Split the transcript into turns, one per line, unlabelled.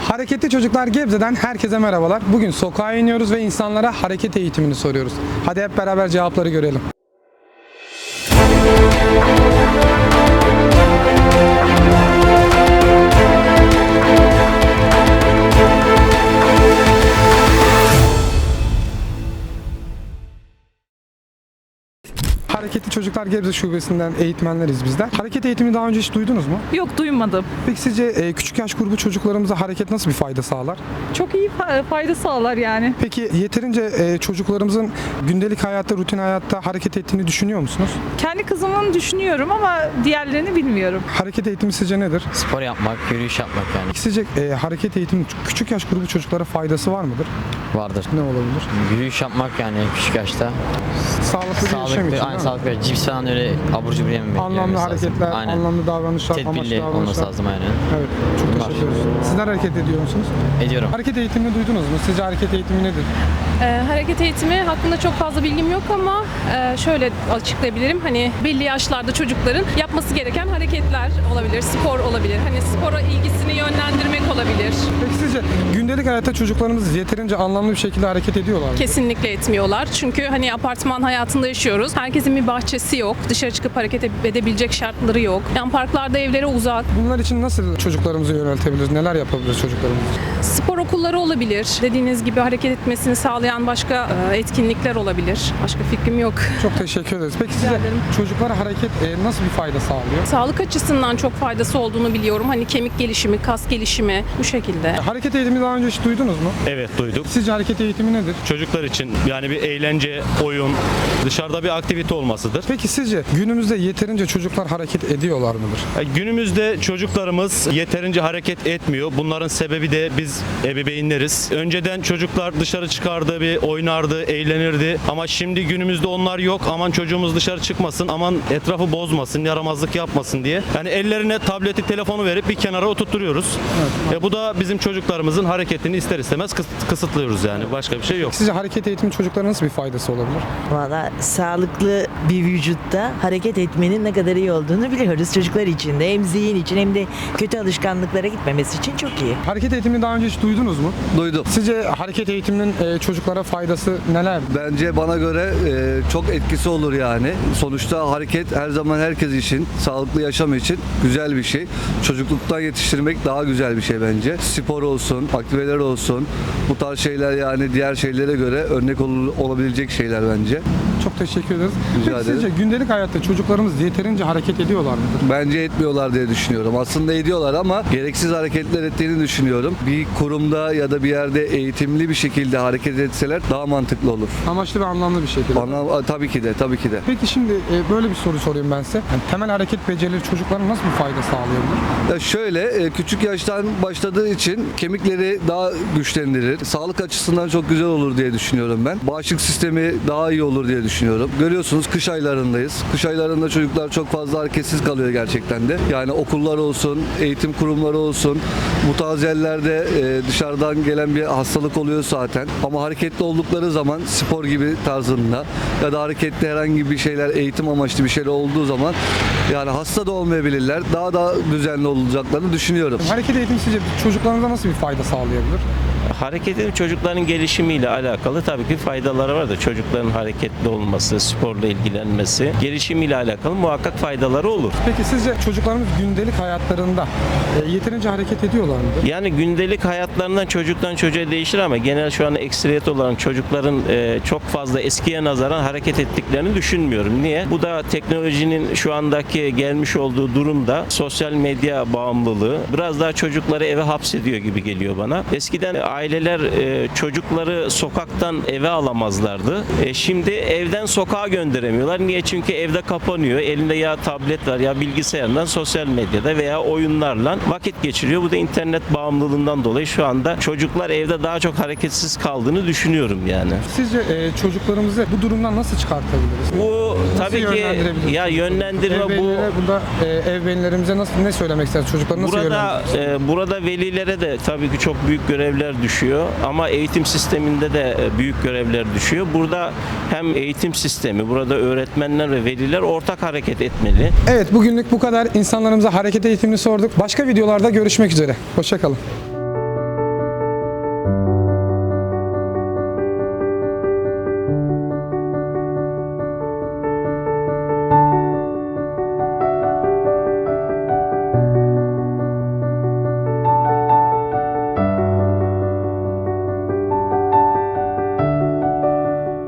Hareketli Çocuklar Gebze'den herkese merhabalar. Bugün sokağa iniyoruz ve insanlara hareket eğitimini soruyoruz. Hadi hep beraber cevapları görelim. Hareketli Çocuklar Gebze Şubesi'nden eğitmenleriz bizler. Hareket eğitimi daha önce hiç duydunuz mu?
Yok, duymadım.
Peki sizce küçük yaş grubu çocuklarımıza hareket nasıl bir fayda sağlar?
Çok iyi fayda sağlar yani.
Peki yeterince çocuklarımızın gündelik hayatta, rutin hayatta hareket ettiğini düşünüyor musunuz?
Kendi kızımın düşünüyorum ama diğerlerini bilmiyorum.
Hareket eğitimi sizce nedir?
Spor yapmak, yürüyüş yapmak yani
Peki sizce hareket eğitiminin küçük yaş grubu çocuklara faydası var mıdır?
vardır.
Ne olabilir?
Yürüyüş yapmak yani küçük yaşta.
Sağlıklı bir yaşam için değil
Aynı
mi?
sağlıklı bir cips falan öyle abur cubur yememek.
Anlamlı hareketler,
Aynen.
anlamlı davranışlar, amaçlı
Tedbirli olması
davranışlar.
lazım aynen.
Evet, çok
Bunlar.
teşekkür ederiz. Sizler hareket ediyor musunuz?
Ediyorum.
Hareket eğitimini duydunuz mu? Sizce hareket eğitimi nedir?
Hareket eğitimi hakkında çok fazla bilgim yok ama şöyle açıklayabilirim. Hani belli yaşlarda çocukların yapması gereken hareketler olabilir, spor olabilir. Hani spora ilgisini yönlendirmek olabilir.
Peki sizce gündelik hayatta çocuklarımız yeterince anlamlı bir şekilde hareket ediyorlar mı?
Kesinlikle etmiyorlar. Çünkü hani apartman hayatında yaşıyoruz. Herkesin bir bahçesi yok. Dışarı çıkıp hareket edebilecek şartları yok. Yani parklarda evlere uzak.
Bunlar için nasıl çocuklarımızı yöneltebiliriz? Neler yapabiliriz çocuklarımız için?
Spor okulları olabilir. Dediğiniz gibi hareket etmesini sağlayan başka etkinlikler olabilir. Başka fikrim yok.
Çok teşekkür ederiz. Peki size
ederim.
çocuklara hareket nasıl bir fayda sağlıyor?
Sağlık açısından çok faydası olduğunu biliyorum. Hani kemik gelişimi, kas gelişimi bu şekilde.
Hareket eğitimi daha önce hiç duydunuz mu?
Evet, duyduk.
Sizce hareket eğitimi nedir?
Çocuklar için yani bir eğlence, oyun, dışarıda bir aktivite olmasıdır.
Peki sizce günümüzde yeterince çocuklar hareket ediyorlar mıdır?
Günümüzde çocuklarımız yeterince hareket etmiyor. Bunların sebebi de biz ebeveynleriz. Önceden çocuklar dışarı çıkardı, bir oynardı, eğlenirdi. Ama şimdi günümüzde onlar yok. Aman çocuğumuz dışarı çıkmasın, aman etrafı bozmasın, yaramazlık yapmasın diye. Yani ellerine tableti, telefonu verip bir kenara oturtturuyoruz. Bu da bizim çocuklarımızın hareketini ister istemez kısıtlıyoruz yani. Başka bir şey yok.
Sizce hareket eğitimi çocuklara nasıl bir faydası olabilir?
Valla sağlıklı bir vücutta hareket etmenin ne kadar iyi olduğunu biliyoruz çocuklar için de, hem zihin için hem de kötü alışkanlıklara gitmemesi için çok iyi.
Hareket eğitimini daha önce hiç duydunuz mu?
Duydum.
Sizce hareket eğitiminin çocuklara faydası neler?
Bence bana göre çok etkisi olur yani. Sonuçta hareket her zaman herkes için, sağlıklı yaşam için güzel bir şey. Çocukluktan yetiştirmek daha güzel bir şey bence. Spor olsun, aktiviteler olsun. Bu tarz şeyler yani diğer şeylere göre örnek olabilecek şeyler bence.
Çok teşekkür ederiz.
Rica
Peki
ederim.
sizce gündelik hayatta çocuklarımız yeterince hareket ediyorlar mıdır?
Bence etmiyorlar diye düşünüyorum. Aslında ediyorlar ama gereksiz hareketler ettiğini düşünüyorum. Bir kurumda ya da bir yerde eğitimli bir şekilde hareket etseler daha mantıklı olur.
Amaçlı ve anlamlı bir şekilde.
Tabii ki de, tabii ki de.
Peki şimdi böyle bir soru sorayım ben size. Yani temel hareket becerileri çocuklara nasıl bir fayda sağlayabilir?
Ya şöyle, küçük yaştan başladığı için kemikleri daha güçlendirir. Sağlık açısından çok güzel olur diye düşünüyorum ben. Bağışıklık sistemi daha iyi olur diye düşünüyorum. Görüyorsunuz kış aylarındayız. Kış aylarında çocuklar çok fazla hareketsiz kalıyor gerçekten de. Yani okullar olsun, eğitim kurumları olsun. Bu tarz yerlerde dışarıdan gelen bir hastalık oluyor zaten. Ama hareketli oldukları zaman spor gibi tarzında ya da hareketli herhangi bir şeyler, eğitim amaçlı bir şeyler olduğu zaman yani hasta da olmayabilirler. Daha da düzenli olacaklarını düşünüyorum.
Hareket eğitimi sizce çocuklarımıza nasıl bir fayda sağlayabilir?
Hareketin çocukların gelişimiyle alakalı tabii ki faydaları var da çocukların hareketli olması, sporla ilgilenmesi, gelişimiyle alakalı muhakkak faydaları olur.
Peki sizce çocuklarımız gündelik hayatlarında yeterince hareket ediyorlar mıdır?
Yani gündelik hayatlarından çocuktan çocuğa değişir ama genel şu an ekseriyet olan çocukların çok fazla eskiye nazaran hareket ettiklerini düşünmüyorum. Niye? Bu da teknolojinin şu andaki gelmiş olduğu durumda sosyal medya bağımlılığı biraz daha çocukları eve hapsediyor gibi geliyor bana. Eskiden aileler çocukları sokaktan eve alamazlardı. Şimdi evden sokağa gönderemiyorlar. Niye? Çünkü evde kapanıyor. Elinde ya tablet var ya bilgisayardan sosyal medyada veya oyunlarla vakit geçiriyor. Bu da internet bağımlılığından dolayı şu anda çocuklar evde daha çok hareketsiz kaldığını düşünüyorum yani.
Sizce çocuklarımızı bu durumdan nasıl çıkartabiliriz?
Bu
Nasıl
tabii ki
yönlendirebiliriz?
ya yönlendirme bu
Burada ebeveynlerimize ne söylemek istersiniz? Çocukları nasıl yönlendiririz?
Burada velilere de tabii ki çok büyük görevler düşüyor ama eğitim sisteminde de büyük görevler düşüyor. Burada hem eğitim sistemi, burada öğretmenler ve veliler ortak hareket etmeli.
Evet, bugünlük bu kadar. İnsanlarımıza hareket eğitimini sorduk. Başka videolarda görüşmek üzere. Hoşça kalın.
Müzik